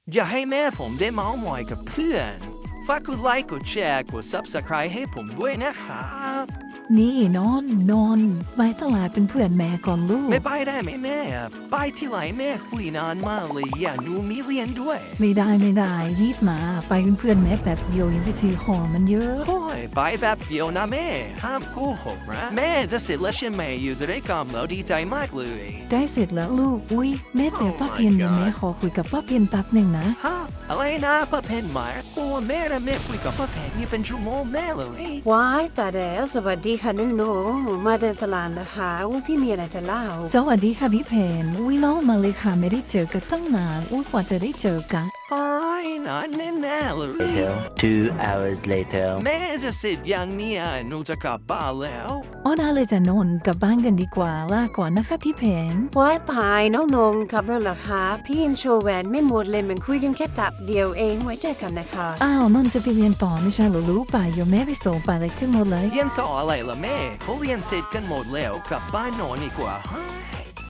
อย่าให้แม่ผมได้เมาท์มอยกับเพื่อนฝากกดไลค์กดแชร์กด Subscribe ให้ผมด้วยนะครับนี่นอนไปตลาดเป็นเพื่อนแม่ก่อนลูกไม่ไปได้ไหมแม่ไปที่ไหนแม่คุยนานมากเลยอย่าหนูมีเรียนด้วยไม่ได้รีบมาไปเป็นเพื่อนแม่แบบเดียวยังไปซื้อของมันเยอะโอ้ยไปแบบเดียวนะแม่ห้ามโกหกนะแม่จะเสร็จแล้วใช่ไหมอยู่จะได้กำแล้วดีใจมากเลยได้เสร็จแล้วลูกอุ๊ยแม่เจอป้าเพนเดี๋ยวแม่ขอคุยกับป้าเพนแป๊บหนึ่งนะฮะอะไรนะป้าเพนมาโอ้แม่นะแม่คุยกับป้าเพนนี่เป็นชั่วโมงแม่เลยว้ายแต่แล้วสวัสดีค่ะหนูมาเดินตลาดนะคะว่าพี่มีอะไรจะเล่าสวัสดีค่ะพี่เพนอุ๊ยน้องมาเลยค่ะไม่ได้เจอกันตั้งนานอุ๊ยกว่าจะได้เจอกันไอ้นานแน่ๆเลย 2 hours later แม่จะเสร็จยังเนี่ยหนูจะกลับบ้านแล้วอ๋อได้เลยจะนอนกลับบ้านกันดีกว่าลาก่อนนะคะพี่เพนว้ายตายน้องนงครับแล้วล่ะคะพี่ยังโชว์แหวนไม่หมดเลยมันคุยกันแค่แป๊บเดียวเองไว้เจอกันนะคะอ้าวนนจะไปเรียนต่อไม่ใช่เหรอลูกไปเดี๋ยวแม่ไปส่งไปเลยขึ้นหมดเลยเรียนต่ออะไรล่ะแม่เขาเรียนเสร็จกันหมดแล้วกลับบ้านนอนดีกว่า